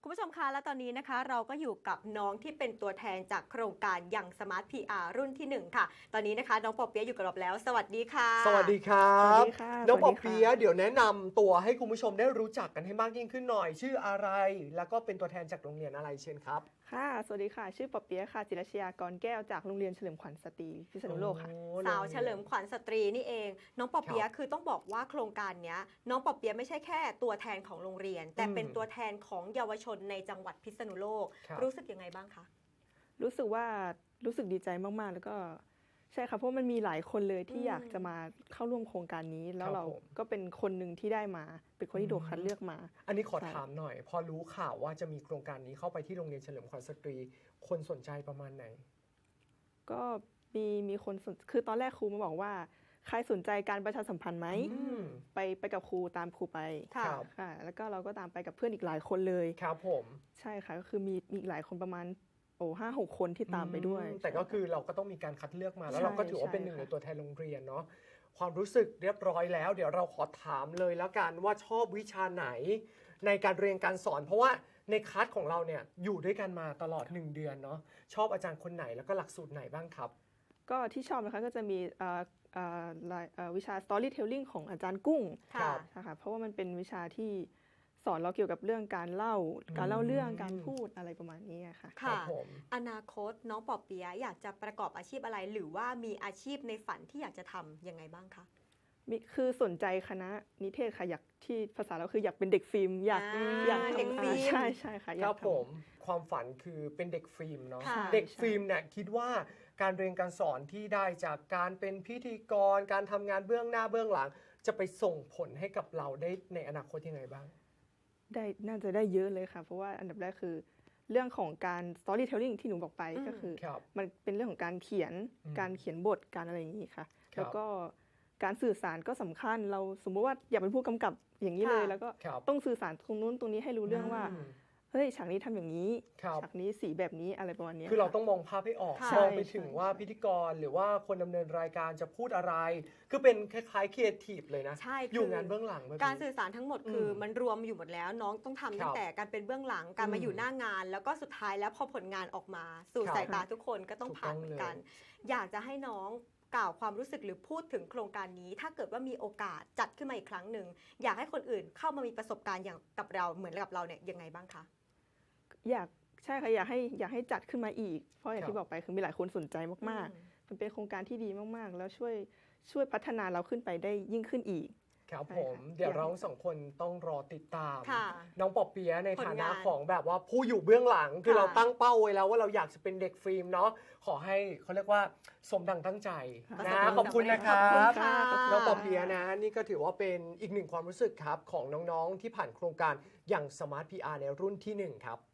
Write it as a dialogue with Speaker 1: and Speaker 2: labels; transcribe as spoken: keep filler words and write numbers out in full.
Speaker 1: คุณผู้ชมคะและตอนนี้นะคะเราก็อยู่กับน้องที่เป็นตัวแทนจากโครงการยังสมาร์ท พี อาร์ รุ่นที่หนึ่งค่ะตอนนี้นะคะน้องปอเปี๊ยะอยู่กับเราแล้วสวัสดีค่ะ
Speaker 2: สวัสดีครับ
Speaker 3: สวัสดีค่ะ
Speaker 2: น้องปอเปี๊ยะเดี๋ยวแนะนำตัวให้คุณผู้ชมได้รู้จักกันให้มากยิ่งขึ้นหน่อยชื่ออะไรแล้วก็เป็นตัวแทนจากโรงเรียนอะไรเชิญครับ
Speaker 3: ค่ะสวัสดีค่ะชื่อปอเปี๊ยะค่ะจิรชยากรแก้วจากโรงเรียนเฉลิมขวัญสตรีพิษณุโลกค่ะ
Speaker 1: สาวเฉลิมขวัญสตรีนี่เองน้องปอเปี๊ยะคือต้องบอกว่าโครงการนี้น้องปอเปี๊ยะไม่ใช่แค่ตัวแทนของโรงเรียนแต่เป็นตัวแทนของเยาวชนในจังหวัดพิษณุโลกรู้สึกยังไงบ้างคะ
Speaker 3: รู้สึกว่ารู้สึกดีใจมากๆแล้วก็ใช่ค่ะเพราะมันมีหลายคนเลยที่อยากจะมาเข้าร่วมโครงการนี้แล้วเราก็เป็นคนหนึ่งที่ได้มาเป็นคนที่โดดคัดเลือกมา
Speaker 2: อันนี้ขอถามหน่อยพอรู้ข่าวว่าจะมีโครงการนี้เข้าไปที่โรงเรียนเฉลิมขวัญสตรีคนสนใจประมาณไหน
Speaker 3: ก็มีมีคนสนคือตอนแรกครูมาบอกว่าใครสนใจการประชาสัมพันธ์ไหมไปไปกับครูตามครูไปค่ะแล้วก็เราก็ตามไปกับเพื่อนอีกหลายคนเลย
Speaker 2: ครับผม
Speaker 3: ใช่ค่ะก็คือมีมีอีกหลายคนประมาณโอ้ห้าหกคนที่ตามไปด้วย
Speaker 2: แต่ก็คือเราก็ต้องมีการคัดเลือกมาแล้วเราก็ถือว่าเป็นหนึ่งในตัวแทนโรงเรียนเนาะความรู้สึกเรียบร้อยแล้วเดี๋ยวเราขอถามเลยแล้วกันว่าชอบวิชาไหนในการเรียนการสอนเพราะว่าในคลาสของเราเนี่ยอยู่ด้วยกันมาตลอดหนึ่งเดือนเนาะชอบอาจารย์คนไหนแล้วก็หลักสูตรไหนบ้างครับ
Speaker 3: ก็ที่ชอบนะคะก็จะมีวิชา storytelling ของอาจารย์กุ้งค่ะเพราะว่ามันเป็นวิชาที่สอนเราเกี่ยวกับเรื่องการเล่าการเล่าเรื่องการพูดอะไรประมาณนี้ค่ะ
Speaker 1: ค่ะอนาคตน้องปอเปี๊ยะอยากจะประกอบอาชีพอะไรหรือว่ามีอาชีพในฝันที่อยากจะทำยังไงบ้างคะ
Speaker 3: มีคือสนใจคณะนิเทศค่ะอยากที่ภาษาเราคืออยากเป็นเด็กฟิล์มอยากอยาก
Speaker 1: เด็กฟิล์ม
Speaker 3: ใช่ใช่ค่ะ
Speaker 2: ครับผมความฝันคือเป็นเด็กฟิล์มเนาะเด็กฟิล์มเนี่ยคิดว่าการเรียนการสอนที่ได้จากการเป็นพิธีกรการทำงานเบื้องหน้าเบื้องหลังจะไปส่งผลให้กับเราได้ในอนาคตยังไงบ้าง
Speaker 3: ได้น่าจะได้เยอะเลยค่ะเพราะว่าอันดับแรกคือเรื่องของการ storytelling ที่หนูบอกไปก็คือมันเป็นเรื่องของการเขียนการเขียนบทการอะไรอย่างนี้ค่ะแล้วก็การสื่อสารก็สำคัญเราสมมติว่าอยากเป็นผู้กำกับอย่างนี้เลยแล้วก็ต้องสื่อสารตรงนู้นตรงนี้ให้รู้เรื่องว่าเฮ้ยฉากนี้ทำอย่างนี้ฉากนี้สีแบบนี้อะไรประมาณนี้
Speaker 2: คือเราต้องมองภาพให้ออกมองไปถึงว่าพิธีกรหรือว่าคนดำเนินรายการจะพูดอะไรคือเป็นคล้ายๆครีเอทีฟเลยนะอยู่งานเบื้องหลัง
Speaker 1: การสื่อสารทั้งหมดคือมันรวมอยู่หมดแล้วน้องต้องทำตั้งแต่การเป็นเบื้องหลังการมาอยู่หน้างานแล้วก็สุดท้ายแล้วพอผลงานออกมาสู่สายตาทุกคนก็ต้องผ่านเหมือนกันอยากจะให้น้องกล่าวความรู้สึกหรือพูดถึงโครงการนี้ถ้าเกิดว่ามีโอกาสจัดขึ้นมาอีกครั้งหนึ่งอยากให้คนอื่นเข้ามามีประสบการณ์อย่างกับเราเหมือนกับเราเนี่ยยังไงบ้างคะ
Speaker 3: อยากใช่ค่ะอยากให้อยากให้จัดขึ้นมาอีกเพราะอย่างที่บอกไปคือมีหลายคนสนใจมากๆมันเป็นโครงการที่ดีมากๆแล้วช่วยช่วยพัฒนาเราขึ้นไปได้ยิ่งขึ้นอีก
Speaker 2: ครับผมเดี๋ยวเราสองคนต้องรอติดตามน้องปอเปี๊ยะในฐานะของแบบว่าผู้อยู่เบื้องหลังคือเราตั้งเป้าไว้แล้วว่าเราอยากจะเป็นเด็กฟิล์มเนาะขอให้เขาเรียกว่าสมดังตั้งใจนะขอบคุณนะครับน้องปอเปี๊ยะนะนี่ก็ถือว่าเป็นอีกหนึ่งความรู้สึกครับของน้องๆที่ผ่านโครงการอย่าง Smart พี อาร์ ในรุ่นที่หนึ่งครับ